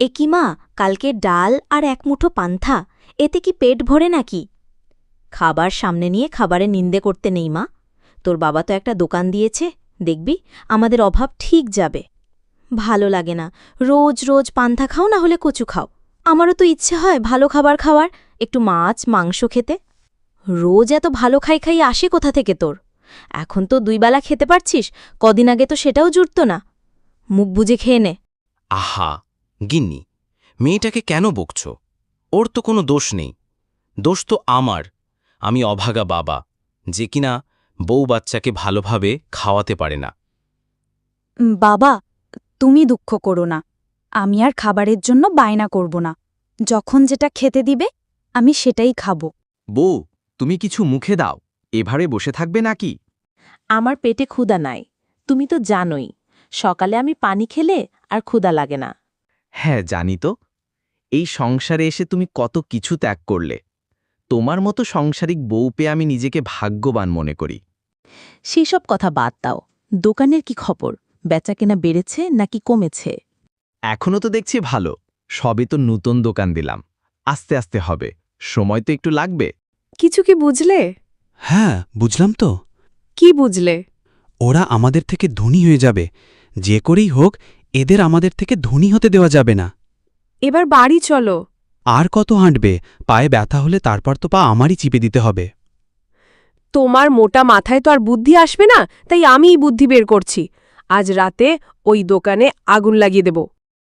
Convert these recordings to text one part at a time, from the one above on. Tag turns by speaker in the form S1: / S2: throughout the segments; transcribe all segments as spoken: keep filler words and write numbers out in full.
S1: এ কি মা, কালকে ডাল আর এক মুঠো পান্থা, এতে কি পেট ভরে নাকি? খাবার সামনে নিয়ে খাবারে নিন্দে করতে নেই মা। তোর বাবা তো একটা দোকান দিয়েছে, দেখবি আমাদের অভাব ঠিক যাবে। ভালো লাগে না, রোজ রোজ পান্থা খাও না হলে কচু খাও। আমারও তো ইচ্ছে হয় ভালো খাবার খাওয়ার, একটু মাছ মাংস খেতে। রোজ এত ভালো খাই খাই আসে কোথা থেকে তোর? এখন তো দুই বেলা খেতে পারছিস, কদিন আগে তো সেটাও জুটত না। মুখ বুজে খেয়ে নে।
S2: আহা গিন্নি, মেয়েটাকে কেন বকছ? ওর তো কোনো দোষ নেই। দোষ তো আমার। আমি অভাগা বাবা, যে কিনা বউ বাচ্চাকে ভালোভাবে খাওয়াতে পারে না।
S3: বাবা, তুমি দুঃখ করো না। আমি আর খাবারের জন্য বায়না করব না। যখন যেটা খেতে দিবে আমি সেটাই খাব।
S4: বউ, তুমি কিছু মুখে দাও। এভাবে বসে থাকবে নাকি?
S5: আমার পেটে ক্ষুধা নাই, তুমি তো জানোই। সকালে আমি পানি খেলে আর ক্ষুধা লাগে না।
S4: হ্যাঁ, জানি তো। এই সংসারে এসে তুমি কত কিছু ত্যাগ করলে। তোমার মতো সংসারিক বউ পেয়ে আমি নিজেকে ভাগ্যবান মনে করি।
S5: সেসব কথা বাদ দাও। দোকানের কি খবর? বেচাকেনা বেড়েছে নাকি কমেছে?
S4: এখনও তো দেখছি ভালো। সবে তো নতুন দোকান দিলাম। আস্তে আস্তে হবে, সময় তো একটু লাগবে।
S6: কিছু কি বুঝলে?
S7: হ্যাঁ, বুঝলাম তো।
S6: কি বুঝলে?
S7: ওরা আমাদের থেকে ধনী হয়ে যাবে। যে করেই হোক, এদের আমাদের থেকে ধনী হতে দেওয়া যাবে না।
S6: এবার বাড়ি চলো।
S7: আর কত হাঁটবে? পায়ে ব্যথা হলে তারপর তো পা আমারই চিপে দিতে হবে।
S6: তোমার মোটা মাথায় তো আর বুদ্ধি আসবে না, তাই আমিই বুদ্ধি বের করছি। আজ রাতে ওই দোকানে আগুন লাগিয়ে দেব।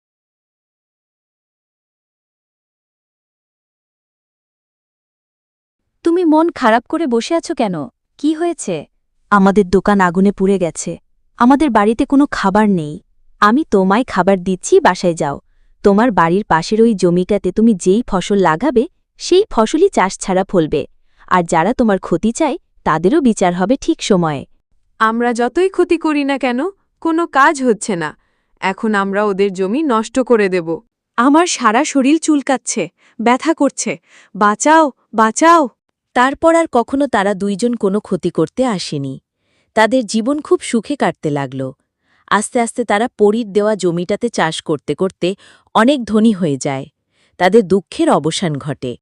S1: তুমি মন খারাপ করে বসে আছো কেন? কি হয়েছে? আমাদের দোকান আগুনে পুড়ে গেছে। আমাদের বাড়িতে কোনো খাবার নেই। আমি তোমায় খাবার দিচ্ছি, বাসায় যাও। তোমার বাড়ির পাশের ওই জমিটাতে তুমি যেই ফসল লাগাবে সেই ফসলই চাষ ছাড়া ফলবে। আর যারা তোমার ক্ষতি চায় তাদেরও বিচার হবে ঠিক সময়ে।
S6: আমরা যতই ক্ষতি করি না কেন, কোনো কাজ হচ্ছে না। এখন আমরা ওদের জমি নষ্ট করে দেব। আমার সারা শরীর চুলকাচ্ছে, ব্যথা করছে। বাঁচাও, বাঁচাও।
S1: তারপর আর কখনো তারা দুইজন কোনো ক্ষতি করতে আসেনি। তাদের জীবন খুব সুখে কাটতে লাগল। আস্তে আস্তে তারা পরীর দেওয়া জমিটাতে চাষ করতে করতে অনেক ধনী হয়ে যায়। তাদের দুঃখের অবসান ঘটে।